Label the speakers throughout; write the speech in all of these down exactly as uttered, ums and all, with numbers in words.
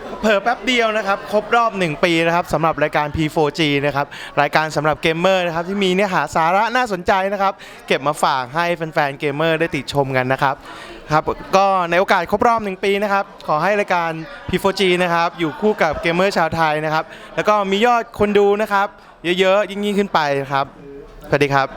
Speaker 1: เผลอแป๊บเดียวนะครับครบรอบหนึ่งปีนะครับสำหรับรายการ พี โฟร์ จี นะครับรายการสำหรับเกมเมอร์นะครับที่มีเนื้อหาสาระน่าสนใจนะครับเก็บมาฝากให้แฟนๆเกมเมอร์ได้ติดชมกันนะครับครับก็ในโอกาสครบรอบหนึ่งปีนะครับขอให้รายการ พี โฟร์ จี นะครับอยู่คู่กับเกมเมอร์ชาวไทยนะครับแล้วก็มียอดคนดูนะครับเยอะๆยิ่งๆขึ้นไปครับสวัสดีครับ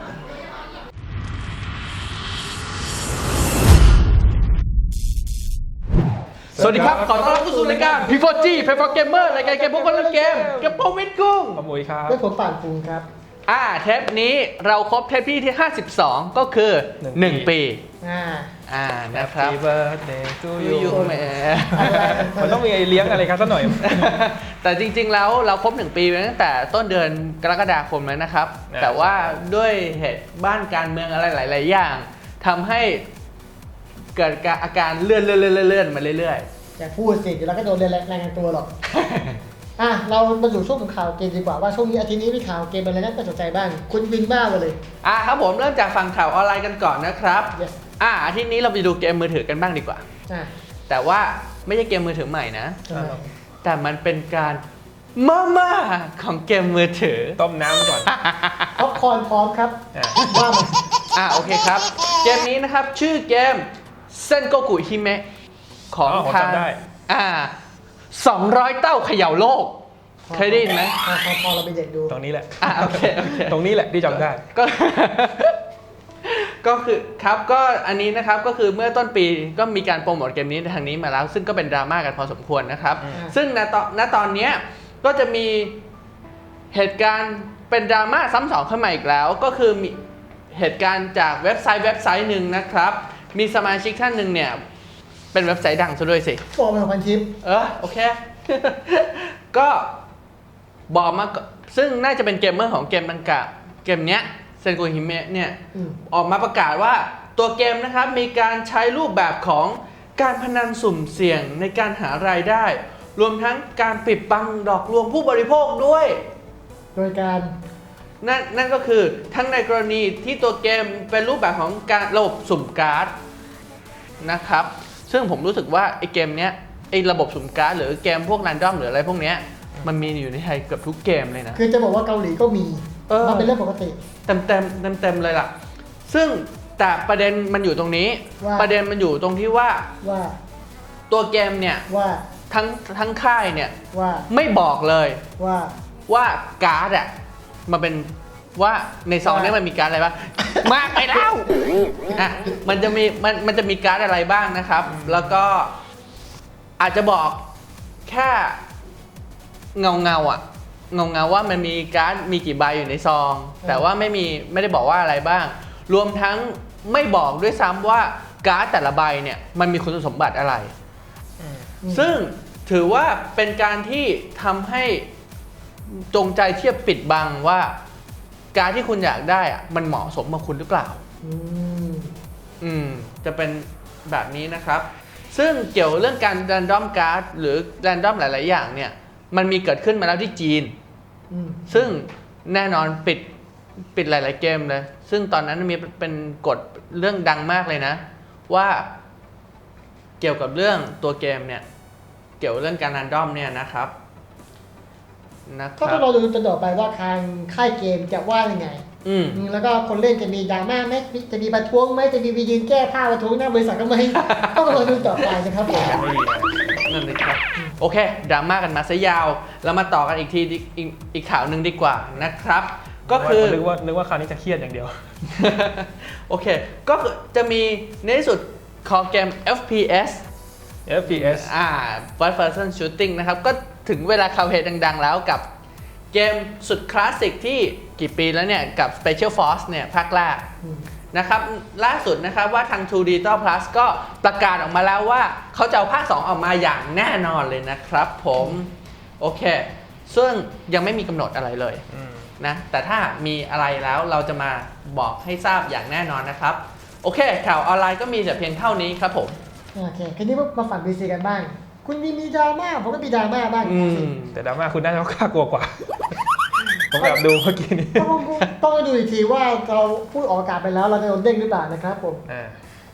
Speaker 2: สวัสดีครับขอต้อนรับเข้าสู่รายการ พี โฟร์ จี Play for Gamer รายการเกมพวกคนเล่นเกมกับผมวิทย์กุ้ง
Speaker 3: ขโมยครับ
Speaker 4: เป็นผมป่านฟูงครับ
Speaker 2: อ่าเทปนี้เราครบเทปที่ห้าสิบสองก็คือ
Speaker 3: หนึ่ง
Speaker 2: หนึ่ง
Speaker 3: ปี
Speaker 2: ปี
Speaker 4: อ่า
Speaker 2: อ่านะครับ
Speaker 3: Happy birthday to
Speaker 2: ยู
Speaker 3: you
Speaker 2: แหม
Speaker 3: มันต้องมีไอเลี้ยงอะไรครับสักหน่อย
Speaker 2: แต่จริงๆแล้วเราครบหนึ่งปีมาตั้งแต่ต้นเดือนกรกฎาคมแล้วนะครับ
Speaker 3: อ่า
Speaker 2: แต่ว่าด้วยเหตุบ้านการเมืองอะไรหลายๆอย่างทำให้เกิดอาการเลื่อนเลื่อนเลื่อนเลื่อนมาเรื่อย
Speaker 4: อย่าพูดสิเดี๋ยวเราก็โดนรายงานตัวหรอก อ่ะเรามาอยู่ช่วงของข่าวเกมดีกว่าว่าช่วงนี้อาทิตย์นี้มีข่าวเกมอะไรน่าสนใจบ้างคุณวินบ้ามาเลย
Speaker 2: ๆ อ่าครับผมเริ่มจากฝั่งข่าวออนไลน์กันก่อนนะครับ
Speaker 4: yes
Speaker 2: อ่าอาทิตย์นี้เราไปดูเกมมือถือกันบ้างดีกว่า
Speaker 4: อ่ะ
Speaker 2: แต่ว่าไม่ใช่เกมมือถือใหม่นะ
Speaker 4: ทำไม
Speaker 2: แต่มันเป็นการมาม่าของเกมมือถือ
Speaker 3: ต้มน้ำก่อน
Speaker 4: พ็อปคอร์นพร้อมครับ
Speaker 3: อ่ะ
Speaker 4: ว่ามา
Speaker 2: อ่าโอเคครับ เกมนี้นะครับชื่อเกมเซนโกกุฮิเมะของ
Speaker 3: อ๋อผม
Speaker 2: ทาง
Speaker 3: จำได้
Speaker 2: อ่าสองร้อยเต้าเขย่าโลก เคยได้ยินไหม
Speaker 4: พอพอพอเราไปเด็กดู
Speaker 3: ตรงนี้แหละ
Speaker 2: อ่าโอเคโอเค
Speaker 3: ตรงนี้แหละที่จำได้
Speaker 2: ก็ ก็คือครับก็อันนี้นะครับก็คือเมื่อต้นปีก็มีการโปรโมทเกมนี้ทางนี้มาแล้ว ซึ่งก็เป็นดราม่ากันพอสมควรนะครับ
Speaker 3: อืม
Speaker 2: ซึ่งณตอนณตอนเนี้ยก็จะมีเหตุการณ์เป็นดราม่าซ้ำสองขึ้นมาอีกแล้ว ก็คือมีเหตุการณ์จากเว็บไซต์เว็บไซต์หนึ่งนะครับ มีสมาชิกท่านหนึ่งเนี่ยเป็นเว็บไซต์ดังซะด้วยสิ
Speaker 4: ฟอร์มของพันทิป
Speaker 2: เออโอเค ก็บอกมาก็ซึ่งน่าจะเป็นเกมเมอร์ของเกมดังกล่าวเกมเนี้ยเซนโกฮิเมะเนี่ย
Speaker 4: อืม
Speaker 2: ออกมาประกาศว่าตัวเกมนะครับมีการใช้รูปแบบของการพนันสุ่มเสี่ยงในการหารายได้ รวมทั้งการปิดบังดอกลวงผู้บริโภคด้วย
Speaker 4: โดยการ
Speaker 2: นั่นนั่นก็คือทั้งในกรณีที่ตัวเกมเป็นรูปแบบของการระบบสุ่มการ์ดนะครับ ซึ่งผมรู้สึกว่าไอ้เกมเนี้ยไอ้ระบบสุ่มการ์ดหรือเกมพวกแรนดอมหรืออะไรพวกเนี้ยมันมีอยู่ในไทยเกือบทุกเกมเลยนะ
Speaker 4: คือจะบอกว่าเกาหลีก็มี
Speaker 2: เออ
Speaker 4: มันเป็นเรื่องปกติ
Speaker 2: เต็มเต็มเต็มเต็มๆเลยล่ะ ซึ่งแต่ประเด็นมันอยู่ตรงนี้
Speaker 4: ว่า
Speaker 2: ประเด็นมันอยู่ตรงที่ว่า
Speaker 4: ว่า
Speaker 2: ตัวเกมเนี่ย
Speaker 4: ว่า
Speaker 2: ทั้งทั้งค่ายเนี่ย
Speaker 4: ว่า
Speaker 2: ไม่บอกเลย
Speaker 4: ว่า
Speaker 2: ว่าการ์ดอะมันเป็นว่าในซองเนี้มันมีการ์ดอะไรบ้าง มากไปแล้วอ่ะมันจะมีมันมันจะมีการ์ดอะไรบ้างนะครับ แล้วก็อาจจะบอกแค่เงาเงาๆอ่ะเงาเงาๆว่ามันมีการ์ดมีกี่ใบอยู่ในซอง แต่ว่าไม่มีไม่ได้บอกว่าอะไรบ้าง รวมทั้งไม่บอกด้วยซ้ำว่าการ์ดแต่ละใบเนี่ยมันมีคุณสมบัติอะไร ซึ่งถือว่าเป็นการที่ทำให้จงใจเทียบปิดบังว่าการที่คุณอยากได้อะมันเหมาะสมกับคุณหรือเปล่า
Speaker 4: อืม
Speaker 2: อืมจะเป็นแบบนี้นะครับ ซึ่งเกี่ยวเรื่องการ random card หรือ random หลาย ๆ อย่างเนี่ยมันมีเกิดขึ้นมาแล้วที่จีน
Speaker 4: อืม
Speaker 2: ซึ่งแน่นอนปิดปิดหลาย ๆ เกมเลย ซึ่งตอนนั้นมีเป็นกฎเรื่องดังมากเลยนะ ว่าเกี่ยวกับเรื่องตัวเกมเนี่ยเกี่ยวเรื่องการ random เนี่ยนะครับนะค
Speaker 4: ก็
Speaker 2: รั
Speaker 4: ต้อง
Speaker 2: บ
Speaker 4: รอดูจนต่อไปว่าทางค่ายเกมจะว่ายังไง
Speaker 2: อืม
Speaker 4: อืมแล้วก็คนเล่นจะมีดราม่าไหมจะมีประท้วงไหมจะมีไปยืนแก้ผ้าประท้วงหน้าบริษัทก็ไหม ต้องรอดูต่อไปนะครับผม
Speaker 3: ไม่ดีนะ
Speaker 2: นั่นเลยครับโอเคดราม่ากันมาซะยาว แล้วมาต่อกันอีกทีอีกอีกอีกข่าวหนึ่งดีกว่านะครับ ก็คือ
Speaker 3: นึกว่านึกว่าคราวนี้จะเครียดอย่างเดียว
Speaker 2: โอเค ก็คือจะมีในที่สุดของเกม เอฟ พี เอส
Speaker 3: เอฟ พี เอส
Speaker 2: อ่า First Person Shooting นะครับ ก็ถึงเวลาคาวเพจดัง ๆ แล้วกับเกมสุดคลาสสิกที่กี่ปีแล้วเนี่ย กับ Special Force เนี่ยภาคแรก
Speaker 4: อืม
Speaker 2: นะครับล่าสุดนะครับว่าทาง ทู Digital Plus ก็ประกาศออกมาแล้วว่าเขาจะเอาภาค สอง ออกมาอย่างแน่นอนเลยนะครับผมโอเค ซึ่งยังไม่มีกำหนดอะไรเลย
Speaker 3: อืม
Speaker 2: นะแต่ถ้ามีอะไรแล้วเราจะมาบอกให้ทราบอย่างแน่นอนนะครับ โอเค ข่าวออนไลน์ก็มีแต่เพียงเท่านี้ครับผม
Speaker 4: โอเคทีนี้มาฝั่ง พี ซี กันบ้าง คุณมีมีดราม่าผมก็มีดราม่าบ้าง
Speaker 2: อืม
Speaker 3: แต่ดราม่าคุณน่าจะกล้ากลัวกว่า ผมแบบดูเมื่อกี้นี้
Speaker 4: ต้องต้องไปดูอีกทีว่าเราพูดออกอากาศไปแล้วเราจะโดนเด้งหรือเปล่านะครับผม
Speaker 3: อ่า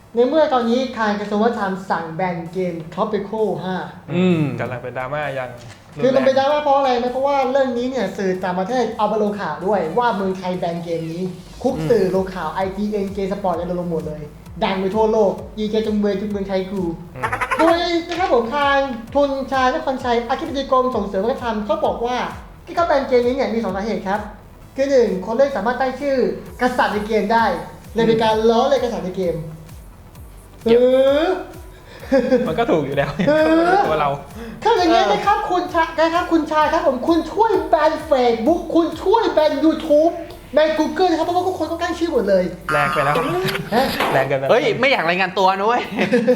Speaker 4: ในเมื่อตอนนี้ทางกระทรวงวัฒนธรรมสั่งแบนเกม Tropical ห้า
Speaker 2: อืม
Speaker 3: กำลังเป็นดราม่าอย่างรุนแรง
Speaker 4: คือมันเป็นดราม่าเพราะอะไรไหมเพราะว่าเรื่องนี้เนี่ยสื่อต่างประเทศเอามาลงข่าวด้วยว่าเมืองไทยแบนเกมนี้ คุกสื่อลงข่าว ไอ ที เอ็น เกมสปอร์ตอะไรลงหมดเลย ดังไปทั่วโลกยีเจจุงเบยจุงเมืองไทยกู
Speaker 3: อืม
Speaker 4: โดยนะครับผมทางทุนชายนครชัยอธิบดีกรมส่งเสริมวัฒนธรรมเขาบอกว่าที่เขาแบนเกมนี้เนี่ยมีสองสาเหตุครับคือหนึ่งคนเล่นสามารถตั้งชื่อกษัตริย์ในเกมได้เลยเป็นการล้อเลยกษัตริย์ในเกมเออ
Speaker 3: มันก็ถูกอยู่แล้ว
Speaker 4: เออ
Speaker 3: ตัวเรา
Speaker 4: ถ้าอย่างนี้นะครับคุณชายนะครับคุณชายครับผมคุณช่วยแบนเฟซบุ๊กคุณช่วยแบน YouTube แบน Google นะครับเพราะว่าทุกคนก็ตั้งชื่อหมดเลย
Speaker 3: แรงไปแล้ว
Speaker 4: ฮะ
Speaker 3: แรงเกินไป
Speaker 2: เฮ้ย ไม่อยากรายงานตัวนะเว้ย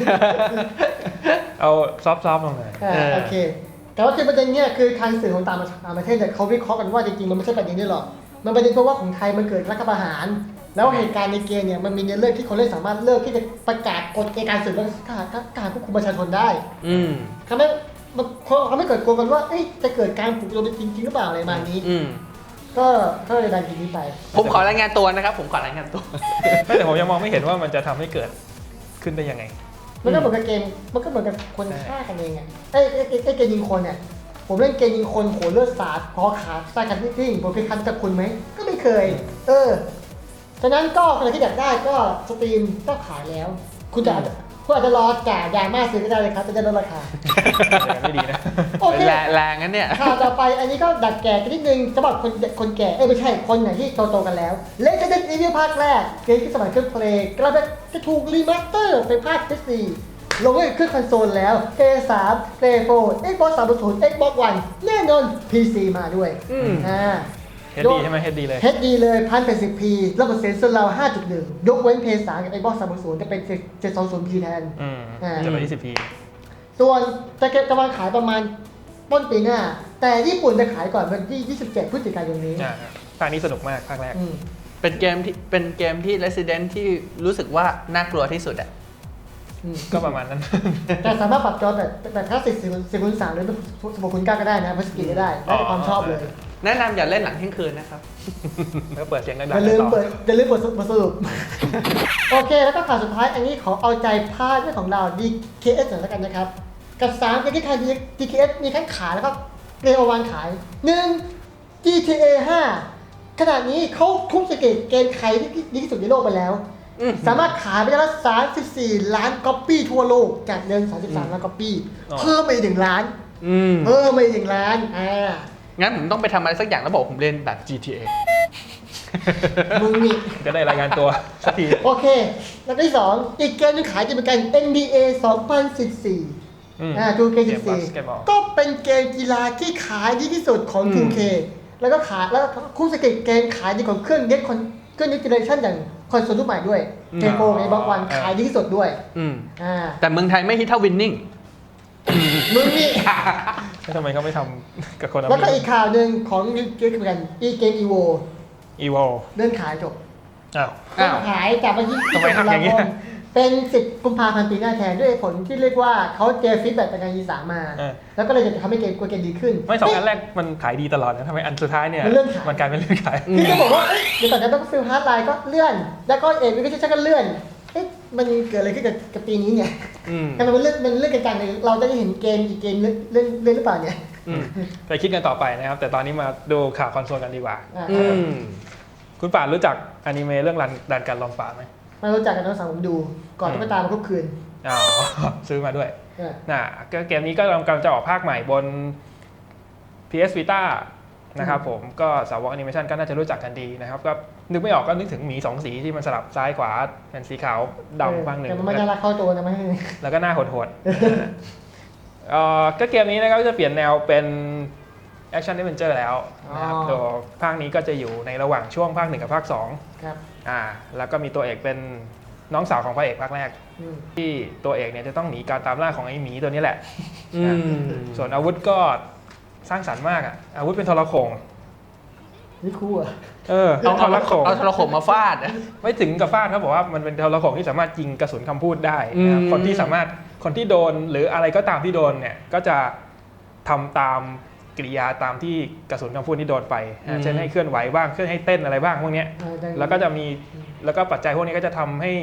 Speaker 3: เอาซอฟต์ๆลงหน่อย
Speaker 4: อ่า
Speaker 2: เออ
Speaker 4: โอเค แต่ว่าคือประเด็นเนี้ยคือทางสื่อของต่างต่างประเทศเนี่ยเขาวิเคราะห์กันว่าจริงๆมันไม่ใช่ประเด็นนี้หรอกมันประเด็นเพราะว่าของไทยมันเกิดรัฐประหาร แล้วเหตุการณ์ในเกมเนี่ยมันมีในเรื่องที่คนเล่นสามารถเลิกที่จะประกาศกฎเกณฑ์การสืบและการควบคุมประชาชนได้
Speaker 2: อืม
Speaker 4: ทำให้มันเขาไม่เกิดกลัวกันว่าเอ๊ะจะเกิดการปลุกระดมจริงๆหรือเปล่าอะไรประมาณนี้
Speaker 2: อืม
Speaker 4: ก็ก็เลยดันทีนี้ไป
Speaker 2: ผมขอรายงานตัวนะครับ ผมขอรายงานตัว
Speaker 3: ไม่แต่ผมยังมองไม่เห็นว่ามันจะทำให้เกิดขึ้นได้ยังไง
Speaker 4: มันก็เหมือนกับเกม มันก็เหมือนกับคนฆ่ากันเองอ่ะไอ้ไอ้ไอ้ไอ้เกมยิงคนเนี่ย ผมเล่นเกมยิงคนโหเลือดสาดคอขาดใส่กันทิ้งๆผมเคยคันกับคุณไหม ก็ไม่เคย เออ ฉะนั้นก็ใครที่อยากได้ก็สตรีมก็ขายแล้ว คุณจะอาจจะคุณอาจจะรอจ่ายยามาซื้อก็ได้เลยครับจะได้ลดราคา
Speaker 3: ไม่ดีนะ
Speaker 4: โอเค
Speaker 2: แรงแรงงั้นเนี่ย
Speaker 4: ข่าวต่อไปอันนี้ก็ดัดแก่กันนิดนึงสำหรับคนคนแก่ เอ้ยไม่ใช่คนไหนที่โตๆกันแล้ว Resident Evil ภาคแรกเกมที่สมัยเครื่องเพลย์กำลังจะถูกรีมาสเตอร์เป็นภาค พี ซี ลงไว้เครื่องคอนโซลแล้ว พี เอส ทรี พี เอส โฟร์ Xbox สามสิบ Xbox One แน่นอน พี ซี มาด้วย
Speaker 2: อืม
Speaker 4: อ่า
Speaker 3: เฮดดีใช่ไหมเฮดดีเลย
Speaker 4: เฮดดีเลย หนึ่งพันแปดสิบ พี ระบบเสียงสุดเรา ห้าจุดหนึ่ง ยกเว้น พี เอส ทรี กับ Xbox สามสิบจะเป็น เจ็ดร้อยยี่สิบ พี แทน
Speaker 3: อืม
Speaker 4: อ่า
Speaker 3: จะไปยี่สิบพี
Speaker 4: ส่วนจะเก็บกำลังขายประมาณต้นปีหน้า แต่ญี่ปุ่นจะขายก่อนวันที่ ยี่สิบเจ็ด พฤศจิกายนนี้
Speaker 3: อ่าภาคนี้สนุกมากภาคแรก
Speaker 4: อืม
Speaker 2: เป็นเกมที่เป็นเกมที่ Resident ที่รู้สึกว่าน่ากลัวที่สุดอะ
Speaker 4: อืม
Speaker 3: ก็ประมาณนั้น
Speaker 4: แต่สามารถปรับจอแบบแบบคลาสสิกสี่คูณสามหรือสิบหกคูณเก้าก็ได้นะพัสกิก็ได้ได้ความชอบเลย
Speaker 2: แนะนำอย่าเล่นหลังเที่ยงคืนนะครับ
Speaker 3: แล้วก็เปิดเสียงดังๆ
Speaker 4: อย่าลืม
Speaker 3: ต่อ
Speaker 4: เปิดอย่าลืมเปิดบทสรุป โอเค แล้วก็ข่าวสุดท้ายอันนี้ขอเอาใจพาดเรื่องของเรา ดี เค เอส หน่อยแล้วกันนะครับ กับสามเกมที่ทาง ดี เค เอส มีทั้งขายแล้วก็เกมเอาวางขายหนึ่ง จี ที เอ ห้า ขณะนี้เขาทุ่มสเกตเกมใครที่ดีที่สุดในโลกไปแล้ว
Speaker 2: อืม
Speaker 4: สามารถขายไปได้ละสามสิบสี่ล้านก๊อปปี้ทั่วโลกจากเดิมสามสิบสามล้านก๊อปปี้
Speaker 3: อ๋อ
Speaker 4: เพิ่มไปอีกหนึ่งล้าน
Speaker 2: อืม
Speaker 4: เพิ่มไปอีกหนึ่งล้านอ่า
Speaker 2: งั้นผมต้องไปทำอะไรสักอย่างแล้วบอกผมเล่นแบบ จี ที เอ
Speaker 4: มึงนี่
Speaker 3: จะได้รายงานตัวสักที
Speaker 4: โอเค แล้วก็ที่สองอีกเกมหนึงขายจะเป็นการ เอ็น บี เอ สองพันสิบสี่
Speaker 3: อืม
Speaker 4: อ่า ทู เค
Speaker 3: เก
Speaker 4: สิ
Speaker 3: ม
Speaker 4: บสี่
Speaker 3: บาสเกตบอล
Speaker 4: ก็เป็นเกมกีฬาที่ขายดีที่สุดของ ทู เค แล้วก็ขายแล้วก็คู่สเกตเกมขายดีของเครื่องเน็ตคอนเครื่องเน็ตเจเนอเรชั่นอย่างคอนโซลรุ่นใหม่ด้วย
Speaker 2: อืม
Speaker 4: เทโปในบล็อกวันขายดีที่สุดด้วย
Speaker 2: อืม
Speaker 4: อ่า
Speaker 2: แต่เมืองไทยไม่ฮิตเท่าวินนิ่ง
Speaker 4: มึงนี่
Speaker 3: แล้วทำไมเขาไม่ทำกับคน
Speaker 4: แล้วก็อีกข่าวหนึ่งของเกมเหมือนกันอีเกมอีโว
Speaker 3: อีโว
Speaker 4: เลื่อนขายจบ
Speaker 3: อ้าว
Speaker 4: เลื่
Speaker 2: อ้า
Speaker 4: อ
Speaker 2: วน
Speaker 4: ขายจากวันที่
Speaker 3: ทำไม
Speaker 4: ตุ
Speaker 3: ทำอย่างนี้
Speaker 4: ลาคมเป็นสิบกุมภาพันธ์ปีหน้าแทนด้วยผลที่เรียกว่าเขาเจอฟีดแบ็กจากการยีสามมา
Speaker 3: เออ
Speaker 4: แล้วก็เลยจะทำให้เกมกลัวเกมดีขึ้น
Speaker 3: ไม่สองอันแรกมันขายดีตลอดนะทำไมอันสุดท้ายเนี่ย
Speaker 4: มันเลื่อนขาย
Speaker 3: มันกลายเป็นเลื่อนขาย
Speaker 4: คือจะบอกว่าเอ๊ะเดี๋ยวก่อนจะต้องฟิลฮาร์ดไลน์ก็เลื่อน แล้วก็เอ็นวิกชั่นก็เลื่อนเอ๊ะมันเกิดอะไรขึ้นกับกับปีนี้เนี่ย
Speaker 2: อืม
Speaker 4: ทำไมมันเลื่อนมันเลื่อนกันจังเลยเราจะได้เห็นเกมอีกเกมเลื่อนเลื่อนเลื่อนหรือเปล่าเนี่ย
Speaker 2: อืม
Speaker 3: ไปคิดกันต่อไปนะครับ แต่ตอนนี้มาดูข่าวคอนโซลกันดีกว่า
Speaker 4: อ่า
Speaker 2: อืม
Speaker 3: คุณป่านรู้จักอนิเมะเรื่องรันดันการลองป่าไหม
Speaker 4: มารู้จักกันน้องสาวผมดู ก่อนต้องไปตามมาทุกคืน
Speaker 3: อ๋อ ซื้อมาด้วย
Speaker 4: เออ
Speaker 3: น่ะก็เกมนี้ก็กำลังจะออกภาคใหม่บน พี เอส Vita นะครับผมก็สาวกแอนิเมชันก็น่าจะรู้จักกันดีนะครับ ก็นึกไม่ออกก็นึกถึงหมีสองสีที่มันสลับซ้ายขวาเป็นสีขาวดำบ้างหนึ่ง
Speaker 4: แต่มันไม่น่ารักเข้าตัวนะไม่ให้
Speaker 3: แล้วก็หน้าโหดๆเอ่อก็เกมนี้นะครับจะเปลี่ยนแนวเป็นแอคชั่น a อ v เวนเจอร์แล้วนะครับตัวภาคนี้ก็จะอยู่ในระหว่างช่วงภาคหนึ่งกับภาคสอง
Speaker 4: ครับ
Speaker 3: อ่าแล้วก็มีตัวเอกเป็นน้องสาวของพระเอกภาคแรก
Speaker 4: อืม
Speaker 3: ที่ตัวเอกเนี่ยจะต้องหนีการตามล่าของไอ้หมีตัวนี้แหละ
Speaker 2: อืม
Speaker 3: ส่วนอาวุธก็สร้างสรรค์มากอ่ะอาวุธเป็นทรโขง
Speaker 4: นี่คู่อ่ะ
Speaker 3: เออ
Speaker 2: เอา
Speaker 3: ท
Speaker 2: เอา
Speaker 3: รโขง
Speaker 2: เอาโทรโขงมาฟาดอะ
Speaker 3: ไม่ถึงกับฟาดเขาบอกว่ามันเป็นทรโขงที่สามารถยิงกระสุนคำพูดได้นะครับ
Speaker 2: อืม
Speaker 3: คนที่สามารถคนที่โดนหรืออะไรก็ตามที่โดนเนี่ยก็จะทำตามกริยาตามที่กระสุนคำพูดที่โดนไปนะเช่นให้เคลื่อนไหวบ้างเคลื่อนให้เต้นอะไรบ้างพวกเนี้ย
Speaker 4: เออได้
Speaker 3: แล้วก็จะมีแล้วก็ปัจจัยพวกนี้ก็จะทำให้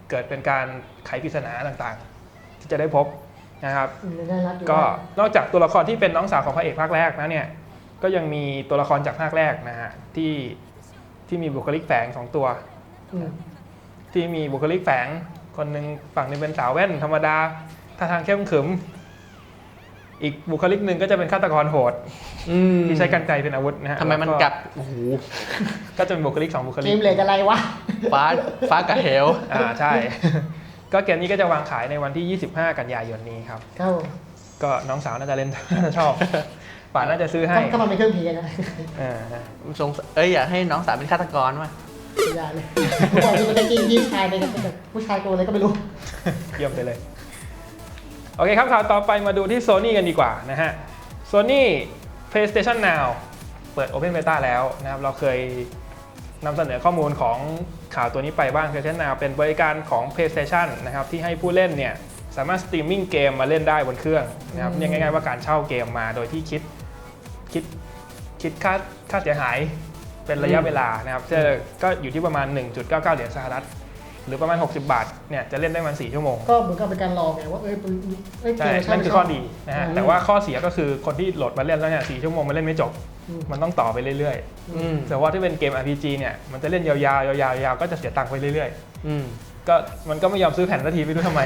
Speaker 3: เกิดเป็นการไขปริศนาต่างๆ ที่จะได้พบนะครับ
Speaker 4: อืมน่ารักอยู่
Speaker 3: ก็
Speaker 4: นะ
Speaker 3: นอกจากตัวละครที่เป็นน้องสาวของพระเอกภาคแรกนะเนี่ยก็ยังมีตัวละครจากภาคแรกนะฮะที่ที่มีบุคลิกแฝงสองตัว
Speaker 4: อืม
Speaker 3: ที่มีบุคลิกแฝงคนหนึ่งฝั่งหนึงเป็นสาวแว่นธรรมดาท่าทางเข้มขรึมอีกบุคลิกหนึ่งก็จะเป็นฆาตกรโหด
Speaker 2: อืม
Speaker 3: ที่ใช้กรรไกรเป็นอาวุธนะฮะ
Speaker 2: ทำไมมัน
Speaker 3: แล้ว
Speaker 2: กัดโอ้โห
Speaker 3: ก็จะเป็นบุคลิกสองบุค
Speaker 4: เก
Speaker 3: ลิก
Speaker 4: มเลดอะไรวะ
Speaker 2: ฟ้าฟ้ากับเหว
Speaker 3: อ่าใช่ ก็เกมนี้ก็จะวางขายในวันที่ ยี่สิบห้า กันยายนนี้ครับ
Speaker 4: ครับผม
Speaker 3: ก็น้องสาวน่าจะเล่น น่าจะชอบป่าน่าจะซื้อให้
Speaker 4: ถ้ามันเป็นเครื่องผีนะ
Speaker 3: เออ
Speaker 2: สงสัยเอ้ยอยากให้น้องสาวเป็นฆาตกรว่ะ
Speaker 4: อย่าเลยก่อนที่มันจะกินพี่ชายไปกันแต่ผู้ชายตัวอะไรก็ไม่รู้
Speaker 3: เยี่ยมไปเลย โอเคครับข่าวต่อไปมาดูที่ Sony กันดีกว่านะฮะ Sony PlayStation Now เปิด Open Beta แล้วนะครับเราเคยนำเสนอข้อมูลของข่าวตัวนี้ไปบ้าง PlayStation Now เป็นบริการของ PlayStation นะครับที่ให้ผู้เล่นเนี่ยสามารถสตรีมมิ่งเกมมาเล่นได้บนเครื่องนะครับ
Speaker 4: อืม
Speaker 3: เรียกง่ายๆว่าการเช่าเกมมาโดยที่คิดคิดคิดค่าค่าเสียหายเป็นระยะเวลานะครับซึ่งก็อยู่ที่ประมาณ หนึ่งจุดเก้าเก้า เหรียญสหรัฐหรือประมาณหกสิบบาทเนี่ยจะเล่นได้ประมาณสี่ชั่วโมง
Speaker 4: ก็เหมือนกับเป็นการลองไงว่าเอ้ยเอ้ยเก
Speaker 3: ใช่
Speaker 4: ม
Speaker 3: นั่นคือข้อดีนะฮะ
Speaker 4: อืม
Speaker 3: แต่ว่าข้อเสียก็คือคนที่โหลดมาเล่นแล้วเนี่ยสี่ชั่วโมงมันเล่นไม่จบ
Speaker 4: อืม
Speaker 3: มันต้องต่อไปเรื่อย
Speaker 2: อืม
Speaker 3: ๆ แต่ว่าที่เป็นเกม อาร์ พี จี เนี่ย มันจะเล่นยาวๆ ยาวๆ ยาวๆ ก็จะเสียตังค์ไปเรื่อย
Speaker 2: อืม
Speaker 3: ๆ ก็มันก็ไม่ยอมซื้อแผ่นสักทีไม่รู้ทำไม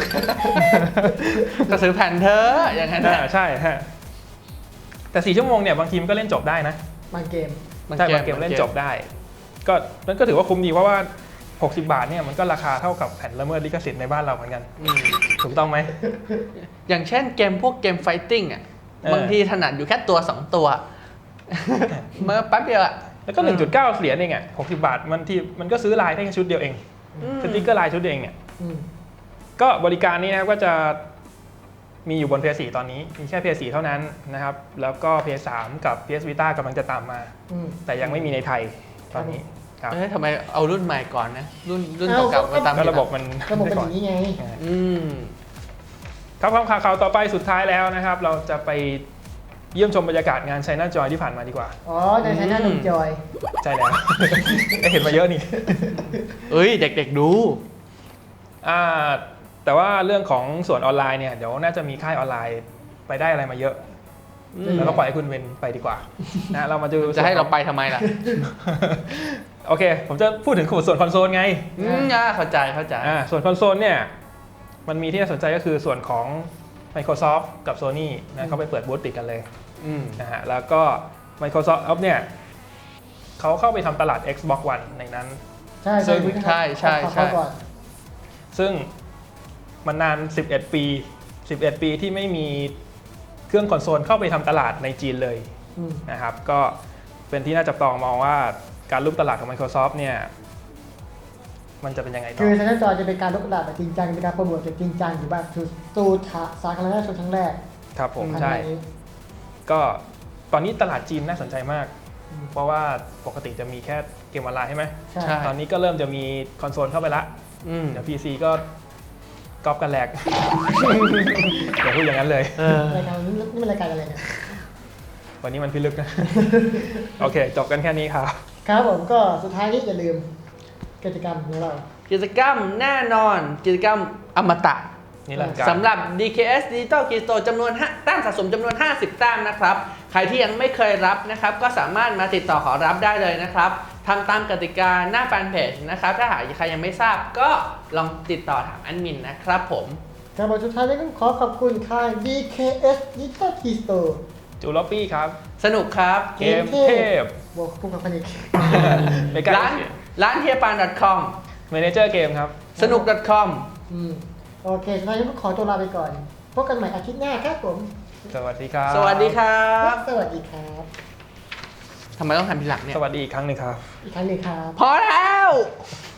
Speaker 2: ก็ซื้อแผ่นเธอะอย่างนั้น
Speaker 3: อ่า
Speaker 2: น่ะ
Speaker 3: ใช่ฮะ แต่สี่ชั่วโมงเนี่ยบางทีมันก็เล่นจบได้นะ
Speaker 4: บางเกม
Speaker 3: ใช่บางเกมเล่นจบได้ ก็มันก็ถือว่าคุ้มดีเพราะว่าหกสิบบาทเนี่ยมันก็ราคาเท่ากับแผ่นละเมิดลิขสิทธิ์ในบ้านเราเหมือนกัน
Speaker 2: อืม
Speaker 3: ถูกต้องไหม
Speaker 2: อย่างเช่นเกมพวกเกมไฟติ้งอ่ะ
Speaker 3: เออ
Speaker 2: บางทีถนัดอยู่แค่ตัวสองตัว เมื่อแป๊บเดียวอ่ะ
Speaker 3: แล้วก็ หนึ่งจุดเก้า เหรียญเองอ่ะหกสิบบาทมันที่มันก็ซื้อลายได้แค่ชุดเดียวเอง
Speaker 2: อืม
Speaker 3: สติ๊กเกอร์ลายชุดเดียวเองเนี่ย
Speaker 4: อืม
Speaker 3: ก็บริการนี้นะครับก็จะมีอยู่บน พี เอส โฟร์ ตอนนี้มีแค่ พี เอส โฟร์ เท่านั้นนะครับแล้วก็ พี เอส ทรี กับ พี เอส Vita กำลังจะตามมา
Speaker 4: อืม
Speaker 3: แต่ยังไม่มีในไทยตอนนี้ครับ
Speaker 2: เอ้ยทำไมเอารุ่นใหม่ก่อนนะ รุ่นรุ่น
Speaker 4: เอ้า
Speaker 2: เก่าๆมาตาม
Speaker 3: ก็
Speaker 2: ทีหลัง
Speaker 3: ระบบมัน
Speaker 4: ระบบเป็นอ
Speaker 3: ก่อน
Speaker 4: ย่างนี้ไง
Speaker 2: อืม
Speaker 3: ครับความข่าวข่าวต่อไปสุดท้ายแล้วนะครับ เราจะไปเยี่ยมชมบรรยากาศงาน China Joy ที่ผ่านมาดีกว่า
Speaker 4: อ๋อในใช้หน้าหนุ่มจอย
Speaker 3: ใช่แล้ว ได้เห็นมาเยอะนี่
Speaker 2: เอ้ยเด็กๆดู
Speaker 3: อ่าแต่ว่าเรื่องของส่วนออนไลน์เนี่ยเดี๋ยวน่าจะมีค่ายออนไลน์ไปได้อะไรมาเยอะ
Speaker 2: อืม
Speaker 3: แล้วก็ปล่อยให้คุณเวนไปดีกว่านะเรามาดู
Speaker 2: จะให้เราไปทำไมล่ะ
Speaker 3: โอเค ผมจะพูดถึงส่วนคอนโซลไง
Speaker 2: อืมอ่าเข้าใจเข้าใจ
Speaker 3: อ่าส่วนคอนโซลเนี่ยมันมีที่น่าสนใจก็คือส่วนของ Microsoft กับ Sony นะเขาไปเปิดบูธติดกันเลย
Speaker 2: อืม
Speaker 3: นะฮะแล้วก็ Microsoft เนี่ยเขาเข้าไปทำตลาด Xbox One ในนั้น
Speaker 4: ใช่
Speaker 3: ซึ่ง
Speaker 2: ใช่ใช่ใช่
Speaker 4: เข้าก่อน
Speaker 3: ซึ่งมันนานสิบเอ็ดปีสิบเอ็ดปีที่ไม่มีเครื่องคอนโซลเข้าไปทำตลาดในจีนเลย
Speaker 4: อืม
Speaker 3: นะครับก็เป็นที่น่าจับตองมองว่าการลุกตลาดของ Microsoft เนี่ยมันจะเป็นยังไงต่
Speaker 4: คือ อใช้หน้าจอจะเป็นการลดกระดาษแบบจริงจังเป็นการโปรโมทแบบจริงจังอยู่แบบคือสู่สาธารณชนครั้งแรก
Speaker 3: ครับผม
Speaker 4: ภาย
Speaker 3: ใช่
Speaker 4: ในนี้
Speaker 3: ก็ตอนนี้ตลาดจีนน่าสนใจมาก
Speaker 4: อืม
Speaker 3: เพราะว่าปกติจะมีแค่เกมออนไลน์ใช่ไหม
Speaker 4: ใช่
Speaker 2: ใช่
Speaker 3: ตอนนี้ก็เริ่มจะมีคอนโซลเข้าไปละ
Speaker 2: อืม
Speaker 3: เดี๋ยว พี ซี ก็ก๊อปกันแหลก อย่าพูดอย่างนั้นเลย
Speaker 2: เออ
Speaker 4: รายการนี้นี่มันรายการอะไรเนี่ย
Speaker 3: วันนี้มันพิลึกนะ โอเค จบกันแค่นี้ครับ
Speaker 4: ครับผมก็สุดท้ายนี้อย่าลืมกิจกรรมของเรา
Speaker 2: กิจกรรมแน่นอนกิจกรรมอมตะ
Speaker 3: นี่แหละการ
Speaker 2: สำหรับ ดี เค เอส Digital Key Store จำนวนห้าแต้มสะสมจำนวน ห้าสิบ แต้มนะครับ ใครที่ยังไม่เคยรับนะครับ ก็สามารถมาติดต่อขอรับได้เลยนะครับทำตามกติกาหน้าแฟนเพจนะครับ ถ้าหากใครยังไม่ทราบก็ลองติดต่อถามแอดมินนะครับผม
Speaker 4: ครับผมสุดท้ายนี้ก็ขอขอบคุณค่าย ดี เค เอส Digital Key Store
Speaker 3: จูลอปปี้ครับ
Speaker 2: สนุกครับ
Speaker 3: เกมเทพ
Speaker 4: บวกคู่กับพันอีก
Speaker 3: เมกา
Speaker 2: ร้านร้านเฮียปาน .com
Speaker 3: เมเนเจอร์เกมครับ
Speaker 2: สนุก .com
Speaker 4: อืมโอเคสุดท้ายนี้ก็ขอตัวลาไปก่อน พบกันใหม่อาทิตย์หน้าครับผม
Speaker 3: สวัสดีครับ
Speaker 2: สวัสดีครับ
Speaker 4: สวัสดีครับ
Speaker 2: ทำไมต้องทำทีหลังเนี่ย
Speaker 3: สวัสดีอีกครั้งหนึ่งครับ
Speaker 4: อีกครั้งหนึ่งครับ
Speaker 2: พอแล้ว
Speaker 3: ค